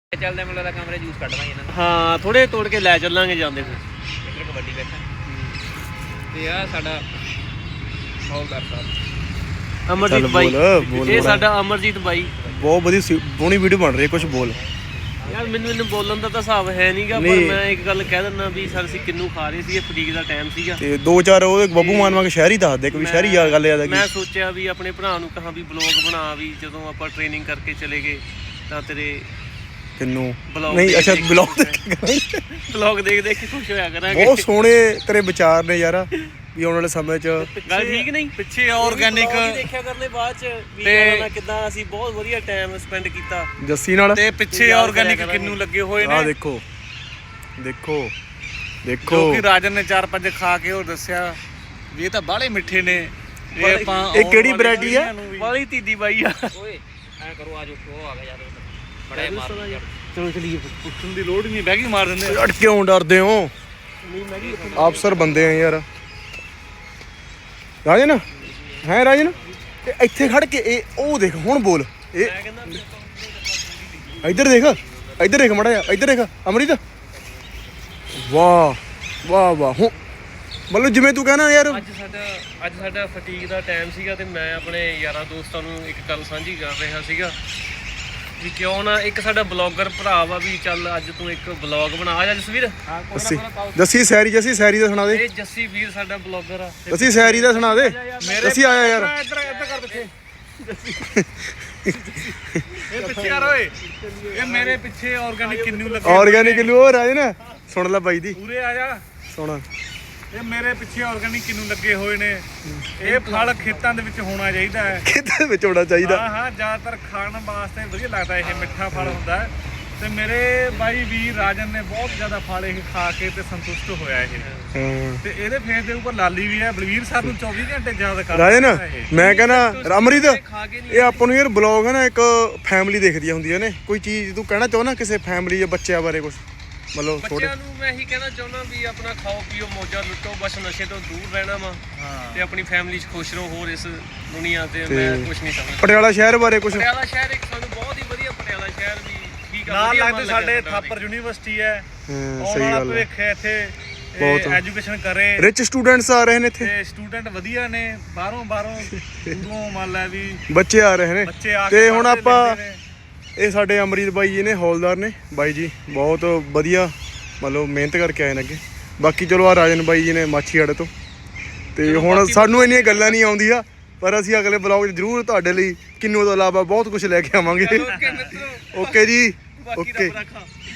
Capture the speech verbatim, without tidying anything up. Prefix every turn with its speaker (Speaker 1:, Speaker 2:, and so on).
Speaker 1: ਚੱਲਦੇ ਮੈਨੂੰ ਲੱਗਦਾ ਕਮਰੇ ਜੂਸ ਕੱਢ ਲਾਂਗੇ ਇਹਨਾਂ ਨੂੰ।
Speaker 2: ਹਾਂ ਥੋੜੇ ਤੋੜ ਕੇ ਲੈ ਚੱਲਾਂਗੇ ਜਾਂਦੇ ਫਿਰ।
Speaker 1: ਇੱਧਰ ਕਬੱਡੀ ਬੈਠਾ ਤੇ ਆ ਸਾਡਾ ਹੌਲਦਾਰ ਸਾਹਿਬ
Speaker 2: ਅਮਰਜੀਤ ਬਾਈ, ਇਹ ਸਾਡਾ ਅਮਰਜੀਤ ਬਾਈ।
Speaker 3: ਬਹੁਤ ਵਧੀਆ ਸੋਹਣੀ ਵੀਡੀਓ ਬਣ ਰਹੀ ਹੈ। ਕੁਝ ਬੋਲ
Speaker 2: ਯਾਰ ਮੈਨੂੰ ਇਹਨੂੰ ਬੋਲਣ ਦਾ ਤਾਂ ਹਿਸਾਬ ਹੈ ਨਹੀਂਗਾ, ਪਰ ਮੈਂ ਇੱਕ ਗੱਲ ਕਹਿ ਦਿੰਦਾ ਵੀ ਸਰ ਅਸੀਂ ਕਿੰਨੂ ਖਾ ਰਹੇ ਸੀ, ਫਟੀਕ ਦਾ ਟਾਈਮ ਸੀਗਾ
Speaker 3: ਤੇ ਦੋ ਚਾਰ ਉਹ ਬੱਬੂ ਮਾਨ ਵਾਂਗ ਸ਼ਹਿਰੀ ਦੱਸ ਦੇ, ਕੋਈ ਸ਼ਹਿਰੀ ਯਾਰ ਗੱਲ ਯਾਦ ਆ ਗਈ।
Speaker 2: ਮੈਂ ਸੋਚਿਆ ਵੀ ਆਪਣੇ ਭਰਾ ਨੂੰ ਕਹਾਂ ਵੀ ਬਲੌਗ ਬਣਾ, ਵੀ ਜਦੋਂ ਆਪਾਂ ਟ੍ਰੇਨਿੰਗ ਕਰਕੇ ਚਲੇ ਗਏ ਤਾਂ ਤੇਰੇ
Speaker 3: ਕਿੰਨੂ ਨਹੀਂ ਅੱਛਾ ਬਲੌਗ
Speaker 2: ਬਲੌਗ ਦੇਖ ਦੇਖ ਕੇ ਖੁਸ਼ ਹੋਇਆ ਕਰਾਂਗੇ।
Speaker 3: ਬਹੁਤ ਸੋਹਣੇ ਤੇਰੇ ਵਿਚਾਰ ਨੇ ਯਾਰ, ਵੀ ਆਉਣ ਵਾਲੇ ਸਮੇਂ 'ਚ
Speaker 2: ਗੱਲ ਠੀਕ ਨਹੀਂ।
Speaker 1: ਪਿੱਛੇ ਆਰਗੈਨਿਕ
Speaker 2: ਦੇਖਿਆ ਕਰਨੇ ਬਾਅਦ 'ਚ ਵੀ ਕਰਨਾ ਕਿੱਦਾਂ ਅਸੀਂ ਬਹੁਤ ਵਧੀਆ ਟਾਈਮ ਸਪੈਂਡ ਕੀਤਾ
Speaker 3: ਜੱਸੀ ਨਾਲ,
Speaker 1: ਤੇ ਪਿੱਛੇ ਆਰਗੈਨਿਕ ਕਿੰਨੂ ਲੱਗੇ ਹੋਏ ਨੇ।
Speaker 3: ਆਹ ਦੇਖੋ ਦੇਖੋ ਦੇਖੋ
Speaker 1: ਜੋ ਕਿ ਰਾਜਨ ਨੇ ਚਾਰ ਪੰਜ ਖਾ ਕੇ ਉਹ ਦੱਸਿਆ ਵੀ ਇਹ ਤਾਂ ਬਾਹਲੇ ਮਿੱਠੇ ਨੇ। ਇਹ ਆਪਾਂ
Speaker 3: ਇਹ ਕਿਹੜੀ ਵੈਰਾਈਟੀ ਆ?
Speaker 2: ਵਾਲੀ ਤੀਦੀ ਬਾਈ ਆ।
Speaker 1: ਓਏ ਐ ਕਰੋ ਆਜੋ ਉਹ ਆ ਗਿਆ ਯਾਰ ਬੜਾ ਮਾਰ।
Speaker 2: ਚਲੋ ਚਲੀਏ।
Speaker 1: ਪੁੱਛਣ ਦੀ ਲੋੜ ਹੀ ਨਹੀਂ, ਬੈਗੀ ਮਾਰ ਦਿੰਦੇ।
Speaker 3: ਅੜ ਕਿਉਂ ਡਰਦੇ ਹੋ? ਅਫਸਰ ਬੰਦੇ ਆ ਯਾਰ। ਰਾਜਨ ਹੈ ਰਾਜਨ ਇਹ ਇੱਥੇ ਖੜ ਕੇ ਇਹ ਉਹ ਦੇਖ ਹੁਣ ਬੋਲ। ਇਹ ਇੱਧਰ ਦੇਖ ਇੱਧਰ ਦੇਖ ਮਾੜਾ ਜਿਹਾ ਇੱਧਰ ਦੇਖ ਅਮਰਿਤ। ਵਾਹ ਵਾਹ ਵਾਹ ਹੁਣ ਮਤਲਬ ਜਿਵੇਂ ਤੂੰ ਕਹਿਣਾ ਯਾਰ।
Speaker 2: ਅੱਜ ਸਾਡਾ ਅੱਜ ਸਾਡਾ ਫਟੀਕ ਦਾ ਟਾਈਮ ਸੀਗਾ ਤੇ ਮੈਂ ਆਪਣੇ ਯਾਰਾਂ ਦੋਸਤਾਂ ਨੂੰ ਇੱਕ ਗੱਲ ਸਾਂਝੀ ਕਰ ਰਿਹਾ ਸੀਗਾ ਵੀ ਕਿਉਂ ਨਾ ਇੱਕ ਸਾਡਾ ਬਲੌਗਰ ਭਰਾ ਵਾ ਵੀ ਚੱਲ ਅੱਜ ਤੂੰ ਇੱਕ ਬਲੌਗ ਬਣਾ। ਆ ਜਾ ਜਸਵੀਰ।
Speaker 3: ਜੱਸੀ ਜੱਸੀ ਸੈਰੀ ਜੱਸੀ ਸੈਰੀ ਦਾ ਸੁਣਾ ਦੇ।
Speaker 2: ਇਹ ਜੱਸੀ ਵੀਰ ਸਾਡਾ ਬਲੌਗਰ ਆ।
Speaker 3: ਜੱਸੀ ਸੈਰੀ ਦਾ ਸੁਣਾ ਦੇ। ਜੱਸੀ ਆਇਆ ਯਾਰ
Speaker 1: ਇੱਧਰ ਇੱਧਰ ਕਰ ਪਿੱਛੇ। ਇਹ ਪਿੱਛੇ ਕਰ ਓਏ। ਇਹ ਮੇਰੇ ਪਿੱਛੇ ਆਰਗੈਨਿਕ ਕਿੰਨੂ ਲੱਗੇ।
Speaker 3: ਆਰਗੈਨਿਕ ਕਿਲੋ ਹੋ ਰਾਜਨ ਸੁਣ ਲੈ ਬਾਈ ਦੀ।
Speaker 1: ਪੂਰੇ ਆ ਜਾ
Speaker 3: ਸੁਣ।
Speaker 1: ਇਹ ਮੇਰੇ ਪਿੱਛੇ ਆਰਗੈਨਿਕ ਕਿੰਨੂ ਲੱਗੇ ਹੋਏ ਨੇ। ਇਹ ਫਲ ਖੇਤਾਂ ਦੇ ਵਿੱਚ ਹੋਣਾ ਚਾਹੀਦਾ ਹੈ।
Speaker 3: ਖੇਤਾਂ ਵਿੱਚ ਹੋਣਾ ਚਾਹੀਦਾ।
Speaker 1: ਹਾਂ ਹਾਂ ਜ਼ਿਆਦਾਤਰ ਖਾਣ ਵਾਸਤੇ ਵਧੀਆ ਲੱਗਦਾ, ਇਹ ਮਿੱਠਾ ਫਲ ਹੁੰਦਾ ਹੈ। ਤੇ ਮੇਰੇ ਬਾਈ ਵੀਰ ਰਾਜਨ ਨੇ ਬਹੁਤ ਜ਼ਿਆਦਾ ਫਲ ਇਹ ਖਾ ਕੇ ਤੇ ਸੰਤੁਸ਼ਟ ਹੋਇਆ ਇਹ।
Speaker 3: ਹਾਂ
Speaker 1: ਤੇ ਇਹਦੇ ਫੇਸ ਦੇ ਉੱਪਰ ਲਾਲੀ ਵੀ ਹੈ। ਬਲਵੀਰ ਸਾਹਿਬ ਨੂੰ ਚੌਵੀ ਘੰਟੇ ਯਾਦ ਕਰਦਾ
Speaker 3: ਰਾਜਨ ਮੈਂ ਕਹਿੰਦਾ ਅਮਰਿਤ ਇਹ ਆਪਾਂ ਨੂੰ ਯਾਰ ਬਲੌਗ ਹੈ ਨਾ ਇੱਕ ਫੈਮਿਲੀ ਦੇਖਦੀਆਂ ਹੁੰਦੀਆਂ ਨੇ। ਕੋਈ ਚੀਜ਼ ਤੂੰ ਕਹਿਣਾ ਚਾਹੁੰਦਾ ਕਿਸੇ ਫੈਮਿਲੀ ਜਾਂ ਬੱਚਿਆਂ ਬਾਰੇ ਕੁਝ ਮਤਲਬ ਥੋੜੇ?
Speaker 2: ਬੱਚਿਆਂ ਨੂੰ ਮੈਂ ਇਹੀ ਕਹਿਣਾ ਚਾਹੁੰਦਾ ਵੀ ਆਪਣਾ ਖਾਓ ਪੀਓ ਮੌਜਾਂ ਲੁੱਟੋ, ਬਸ ਨਸ਼ੇ ਤੋਂ ਦੂਰ ਰਹਿਣਾ ਵਾ ਤੇ ਆਪਣੀ ਫੈਮਿਲੀ 'ਚ ਖੁਸ਼ ਰਹੋ। ਹੋਰ ਇਸ ਦੁਨੀਆ ਤੇ ਮੈਂ ਕੁਝ ਨਹੀਂ ਸਮਝਦਾ।
Speaker 3: ਪਟਿਆਲਾ ਸ਼ਹਿਰ ਬਾਰੇ ਕੁਝ?
Speaker 2: ਪਟਿਆਲਾ ਸ਼ਹਿਰ ਇੱਕ ਸਾਨੂੰ ਬਹੁਤ ਹੀ ਵਧੀਆ, ਪਟਿਆਲਾ ਸ਼ਹਿਰ ਵੀ ਠੀਕ ਆ।
Speaker 1: ਨਾਲ ਲੱਗਦੇ ਸਾਡੇ ਥਾਪਰ ਯੂਨੀਵਰਸਿਟੀ ਹੈ।
Speaker 3: ਹਾਂ ਸਹੀ ਗੱਲ ਹੈ।
Speaker 1: ਭਵਿੱਖ ਹੈ ਇੱਥੇ,
Speaker 3: ਬਹੁਤ
Speaker 1: ਐਜੂਕੇਸ਼ਨ ਕਰੇ।
Speaker 3: ਰਿਚ ਸਟੂਡੈਂਟਸ ਆ ਰਹੇ ਨੇ ਇੱਥੇ
Speaker 1: ਤੇ ਸਟੂਡੈਂਟ ਵਧੀਆ ਨੇ। ਬਾਹਰੋਂ ਬਾਹਰੋਂ ਦੂਰੋਂ ਮੰਨ ਲੈ ਵੀ
Speaker 3: ਬੱਚੇ ਆ ਰਹੇ ਨੇ।
Speaker 1: ਬੱਚੇ ਆ
Speaker 3: ਤੇ
Speaker 1: ਕੇ
Speaker 3: ਹੁਣ
Speaker 1: ਪੜ੍ਹਦੇ
Speaker 3: ਆਪਾਂ
Speaker 1: ਲਿਖਦੇ ਨੇ।
Speaker 3: ਇਹ ਸਾਡੇ ਅਮਰੀਤ ਬਾਈ ਜੀ ਨੇ, ਹੌਲਦਾਰ ਨੇ ਬਾਈ ਜੀ, ਬਹੁਤ ਵਧੀਆ ਮਤਲਬ ਮਿਹਨਤ ਕਰਕੇ ਆਏ ਨੇ ਅੱਗੇ। ਬਾਕੀ ਚਲੋ ਆ ਰਾਜਨ ਬਾਈ ਜੀ ਨੇ ਮਾਛੀਵਾੜੇ ਤੋਂ। ਤੇ ਹੁਣ ਸਾਨੂੰ ਇੰਨੀਆਂ ਗੱਲਾਂ ਨਹੀਂ ਆਉਂਦੀਆਂ, ਪਰ ਅਸੀਂ ਅਗਲੇ ਬਲੌਗ 'ਚ ਜ਼ਰੂਰ ਤੁਹਾਡੇ ਲਈ ਕਿੰਨੂ ਤੋਂ ਇਲਾਵਾ ਬਹੁਤ ਕੁਝ ਲੈ ਕੇ ਆਵਾਂਗੇ। ਓਕੇ ਜੀ ਓਕੇ।